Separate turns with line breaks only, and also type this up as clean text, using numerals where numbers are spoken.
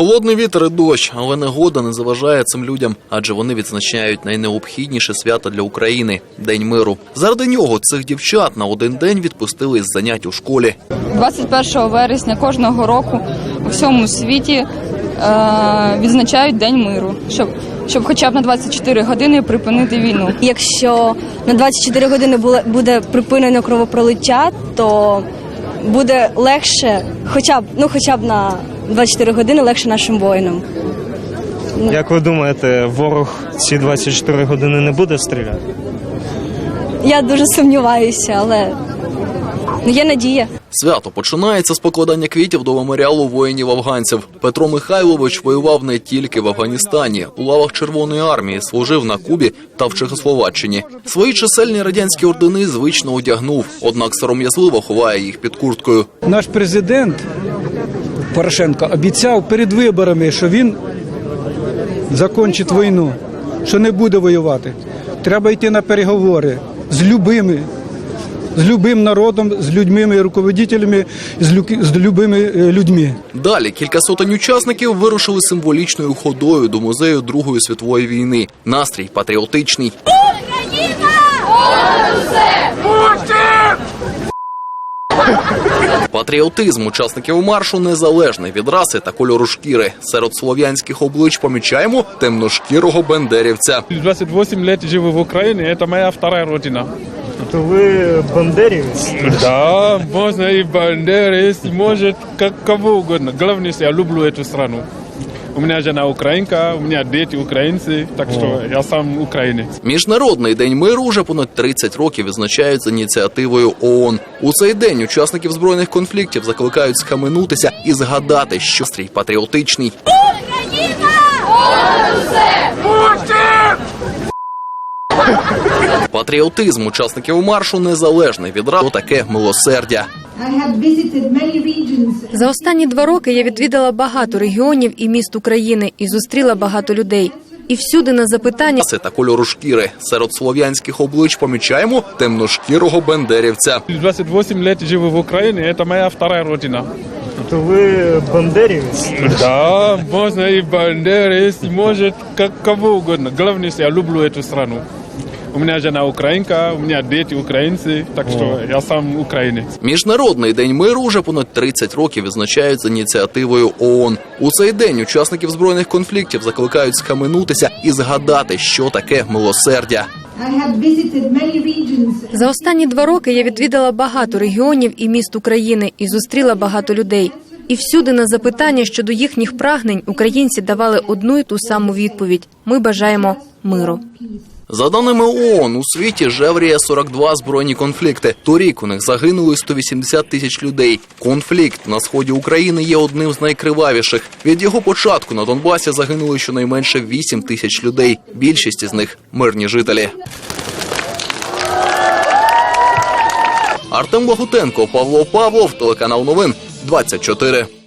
Холодний вітер і дощ, але негода не заважає цим людям, адже вони відзначають найнеобхідніше свято для України – День миру. Заради нього цих дівчат на один день відпустили із занять у школі.
21 вересня кожного року у всьому світі відзначають День миру, щоб хоча б на 24 години припинити війну.
Якщо на 24 години буде припинено кровопролиття, то буде легше, хоча б на 24 години легше нашим воїнам.
Як ви думаєте, ворог ці 24 години не буде стріляти?
Я дуже сумніваюся, але є надія.
Свято починається з покладання квітів до меморіалу воїнів-афганців. Петро Михайлович воював не тільки в Афганістані. У лавах Червоної армії служив на Кубі та в Чехословаччині. Свої чисельні радянські ордени звично одягнув, однак сором'язливо ховає їх під курткою.
Наш президент Порошенко обіцяв перед виборами, що він закінчить війну, що не буде воювати. Треба йти на переговори з любим народом, з людьми, руководителями, з любими людьми.
Далі кілька сотень учасників вирушили символічною ходою до музею Другої світової війни. Настрій патріотичний. Україна! Патріотизм учасників маршу незалежний від раси та кольору шкіри. Серед слов'янських облич помічаємо темношкірого бендерівця.
28 лет живу в Україні, це моя вторая родина.
То ви бандерівець?
Да, можно и бандеровец, может, кого угодно. Главное, я люблю эту страну. У меня жена украинка, у меня дети украинцы, так что я сам українець.
Міжнародний день миру вже понад 30 років відзначають з ініціативою ООН. У цей день учасників збройних конфліктів закликають схаменутися і згадати, що стрій патріотичний. Україна! Патріотизм учасників маршу незалежний від раси, таке милосердя.
За останні 2 роки я відвідала багато регіонів і міст України і зустріла багато людей. І всюди на запитання
Та кольору шкіри. Серед слов'янських облич помічаємо темношкірого бендерівця.
28 лет живу в Україні, це моя вторая родина.
То ви бандерівець?
Да, можно и бандеровец, может, кого угодно. Главное, я люблю эту страну. У меня жена українка, у меня дети українці, так що я сам українець.
Міжнародний день миру вже понад 30 років відзначають з ініціативою ООН. У цей день учасників збройних конфліктів закликають схаменутися і згадати, що таке милосердя.
за останні 2 роки я відвідала багато регіонів і міст України і зустріла багато людей. І всюди на запитання щодо їхніх прагнень українці давали одну і ту саму відповідь – ми бажаємо миру.
За даними ООН, у світі жевріє 42 збройні конфлікти. Торік у них загинули 180 тисяч людей. Конфлікт на сході України є одним з найкривавіших. Від його початку на Донбасі загинули щонайменше 8 тисяч людей. Більшість із них – мирні жителі. Артем Лагутенко, Павло Павлов, телеканал Новин 24.